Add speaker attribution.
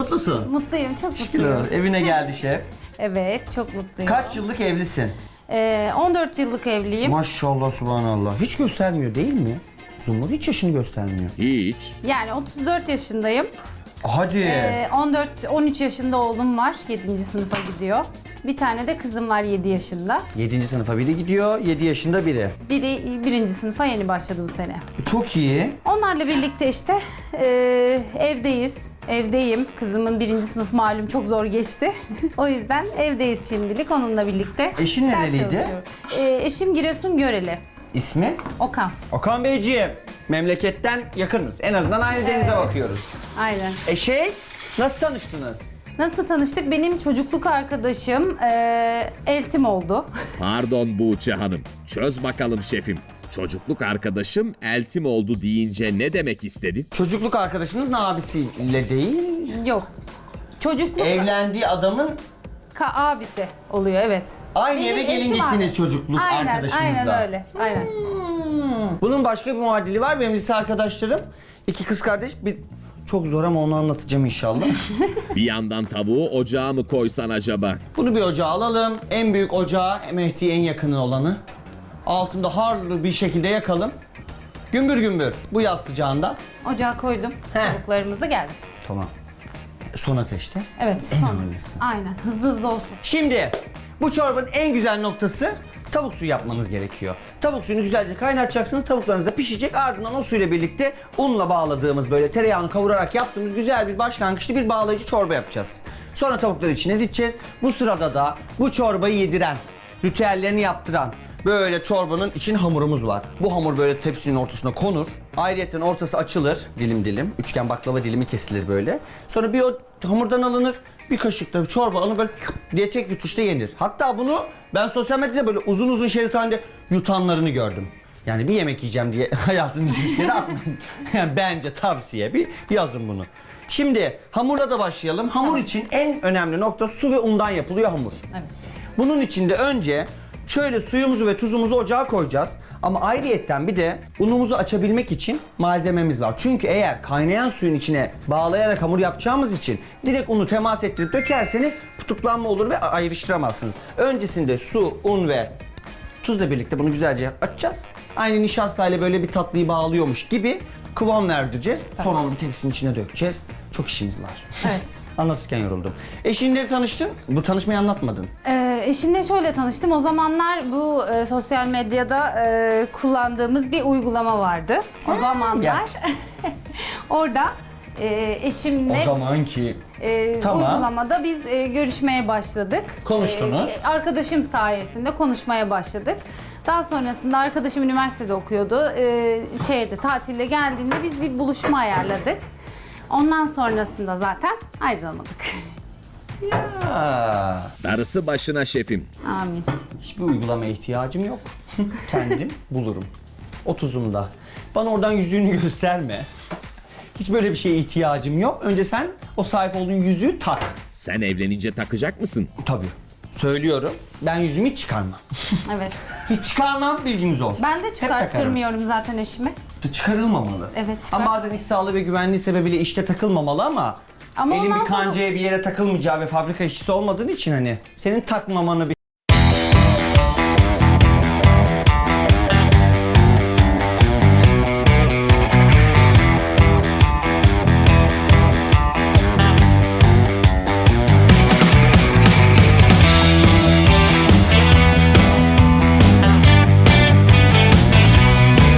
Speaker 1: Mutlusun.
Speaker 2: Mutluyum, çok
Speaker 1: Şükür
Speaker 2: mutluyum.
Speaker 1: olsun. Evine geldi şef.
Speaker 2: Evet, çok mutluyum.
Speaker 1: Kaç yıllık evlisin?
Speaker 2: 14 yıllık evliyim.
Speaker 1: Maşallah subhanallah. Hiç göstermiyor değil mi? Zumur hiç yaşını göstermiyor.
Speaker 3: Hiç.
Speaker 2: Yani 34 yaşındayım.
Speaker 1: Hadi.
Speaker 2: 13 yaşında oğlum var, 7. sınıfa gidiyor. Bir tane de kızım var 7 yaşında.
Speaker 1: 7. sınıfa biri gidiyor, 7 yaşında biri.
Speaker 2: Biri 1. sınıfa yeni başladı bu sene.
Speaker 1: Çok iyi.
Speaker 2: Onlarla birlikte işte evdeyiz. Evdeyim. Kızımın 1. sınıf malum çok zor geçti. O yüzden evdeyiz şimdilik onunla birlikte.
Speaker 1: Eşin
Speaker 2: Ders
Speaker 1: nereliydi?
Speaker 2: çalışıyorum. Eşim Giresun Göreli.
Speaker 1: İsmi?
Speaker 2: Okan.
Speaker 1: Okan Beyciğim. Memleketten yakınız. En azından aynı denize bakıyoruz.
Speaker 2: Aynen.
Speaker 1: Nasıl tanıştınız?
Speaker 2: Nasıl tanıştık? Benim çocukluk arkadaşım eltim oldu.
Speaker 3: Pardon Buğçe Hanım. Çöz bakalım şefim. Çocukluk arkadaşım eltim oldu deyince ne demek istedi?
Speaker 1: Çocukluk arkadaşınızın abisiyle değil,
Speaker 2: Yok. Çocukluk
Speaker 1: evlendiği adamın
Speaker 2: abisi oluyor, evet.
Speaker 1: aynı
Speaker 2: Benim
Speaker 1: eve gelin
Speaker 2: eşim
Speaker 1: gittiniz
Speaker 2: abi.
Speaker 1: çocukluk arkadaşınızla.
Speaker 2: Aynen öyle. Aynen.
Speaker 1: Bunun başka bir muadili var. Benim lise arkadaşlarım. 2 kız kardeş. Çok zor ama onu anlatacağım inşallah.
Speaker 3: Bir yandan tavuğu ocağa mı koysan acaba?
Speaker 1: Bunu bir ocağa alalım. En büyük ocağı, Mehdi'ye en yakını olanı. Altında harlı bir şekilde yakalım. Gümbür gümbür bu yaz sıcağında.
Speaker 2: Ocağa koydum.
Speaker 1: He.
Speaker 2: Tavuklarımız da geldi.
Speaker 1: Tamam. Son ateşte.
Speaker 2: Evet.
Speaker 1: En
Speaker 2: Son.
Speaker 1: ağırlısı.
Speaker 2: Aynen. Hızlı hızlı olsun.
Speaker 1: Şimdi bu çorbanın en güzel noktası tavuk suyu yapmanız gerekiyor. Tavuk suyunu güzelce kaynatacaksınız. Tavuklarınız da pişecek. Ardından o suyla birlikte unla bağladığımız böyle tereyağını kavurarak yaptığımız güzel bir başlangıçlı bir bağlayıcı çorba yapacağız. Sonra tavukları içine dideceğiz. Bu sırada da bu çorbayı yediren, ritüellerini yaptıran böyle çorbanın için hamurumuz var. Bu hamur böyle tepsinin ortasına konur. Ayrıyeten ortası açılır dilim dilim. Üçgen baklava dilimi kesilir böyle. Sonra bir o hamurdan alınır. Bir kaşık da çorba alınır böyle diye tek yutuşta yenir. Hatta bunu ben sosyal medyada böyle uzun uzun şerit halinde yutanlarını gördüm. Yani bir yemek yiyeceğim diye hayatınızı riskine atmayın. Yani bence tavsiye bir yazın bunu. Şimdi hamurla da başlayalım. Hamur için en önemli nokta su ve undan yapılıyor hamur.
Speaker 2: Evet.
Speaker 1: Bunun için de önce şöyle suyumuzu ve tuzumuzu ocağa koyacağız. Ama ayrıyetten bir de unumuzu açabilmek için malzememiz var. Çünkü eğer kaynayan suyun içine bağlayarak hamur yapacağımız için direkt unu temas ettirip dökerseniz tutuklanma olur ve ayrıştıramazsınız. Öncesinde su, un ve tuzla birlikte bunu güzelce açacağız. Aynı nişastayla böyle bir tatlıyı bağlıyormuş gibi kıvam verdireceğiz. Sonra onu bir tepsinin içine dökeceğiz. Çok işimiz var.
Speaker 2: Evet.
Speaker 1: Anlatırken yoruldum. Eşinle tanıştın. Bu tanışmayı anlatmadın.
Speaker 2: Eşimle şöyle tanıştım. O zamanlar bu sosyal medyada kullandığımız bir uygulama vardı. O zamanlar orada eşimle
Speaker 1: zamanki
Speaker 2: uygulamada biz görüşmeye başladık.
Speaker 1: Konuştunuz.
Speaker 2: Arkadaşım sayesinde konuşmaya başladık. Daha sonrasında arkadaşım üniversitede okuyordu. Tatilde geldiğinde biz bir buluşma ayarladık. Ondan sonrasında zaten ayrılamadık.
Speaker 3: Darısı başına şefim.
Speaker 2: Amin.
Speaker 1: Hiçbir uygulamaya ihtiyacım yok. Kendim bulurum. 30'umda. Bana oradan yüzüğünü gösterme. Hiç böyle bir şeye ihtiyacım yok. Önce sen o sahip olduğun yüzüğü tak.
Speaker 3: Sen evlenince takacak mısın?
Speaker 1: Tabii. Söylüyorum. Ben yüzümü hiç çıkarmam.
Speaker 2: Evet.
Speaker 1: Hiç çıkarmam, bilginiz olsun.
Speaker 2: Ben de
Speaker 1: Hep takarım.
Speaker 2: çıkarttırmıyorum zaten eşime.
Speaker 1: Çıkarılmamalı.
Speaker 2: Evet,
Speaker 1: Ama bazen iş sağlığı ve güvenliği sebebiyle işte takılmamalı ama
Speaker 2: Ama
Speaker 1: elin
Speaker 2: ondan
Speaker 1: bir kancaya bir yere takılmayacağı ve fabrika işçisi olmadığın için hani senin takmamanı bir